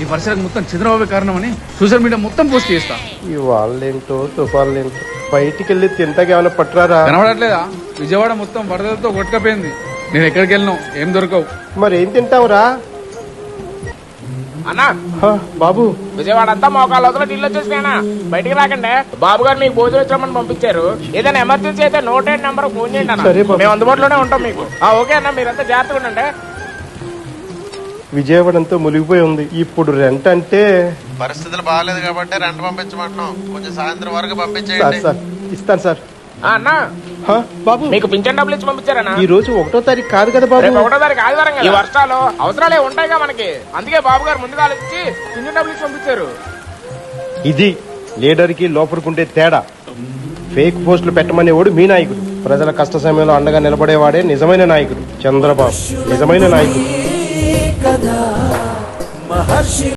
ఈ పరిసరకు మొత్తం చంద్రబాబు కారణమని సోషల్ మీడియా మొత్తం పోస్ట్ చేస్తా. ఈ వాళ్ళేంటో తుఫాన్లేంటో బయటికి వెళ్ళి తింటాకి ఏమైనా పట్టురారా? కనబడట్లేదా? విజయవాడ మొత్తం వరదలతో కొట్టుకపోయింది. నేను ఎక్కడికి వెళ్ళినావు ఏం దొరకవు. మరి ఏం తింటావురా? అన్నా బాబు విజయవాడ అంతా మోకాళ్ళ వదల నీళ్ళు వచ్చేసినా బయటికి రాకండి. బాబు గారు మీకు భోజనం వచ్చామని పంపించారు. ఏదైనా ఎమర్జెన్సీ అయితే 108 నెంబర్ ఫోన్ చేయండి అన్న. సరే బాబు. మేము అందుబాటులోనే ఉంటాం మీకు. ఓకే అన్న, మీరంతా జాగ్రత్తగా ఉండండి. విజయవాడ అంతా మునిగిపోయి ఉంది. ఇప్పుడు రెంట్ అంటే పరిస్థితులు బాగాలేదు కాబట్టి రెంట్ పంపించమంటున్నాం. కొంచెం సాయంత్రం వరకు సార్ పంపించేయండి. సార్ ఇస్తాను సార్. అన్న బాబు మీకు పింఛన్ డబ్బులు ఇచ్చి పంపించారన్నా. ఈ రోజు 1వ తారీఖు కాదు కదా బాబు? రేపు 1వ తారీఖు ఆదివారం కదా. ఈ వర్షాలు అవసరాలే ఉంటాయిగా మనకి. అందుకే బాబు గారు ముందుగా ఆలోచించి పింఛన్ డబ్బులు ఇచ్చి పంపించారు. ఇది లీడర్ కి లోపలికుండే తేడా. ఫేక్ పోస్టులు పెట్టమనేవాడు మీ నాయకుడు. ప్రజల కష్ట సమయంలో అండగా నిలబడేవాడే నిజమైన నాయకుడు. చంద్రబాబు నిజమైన నాయకుడు.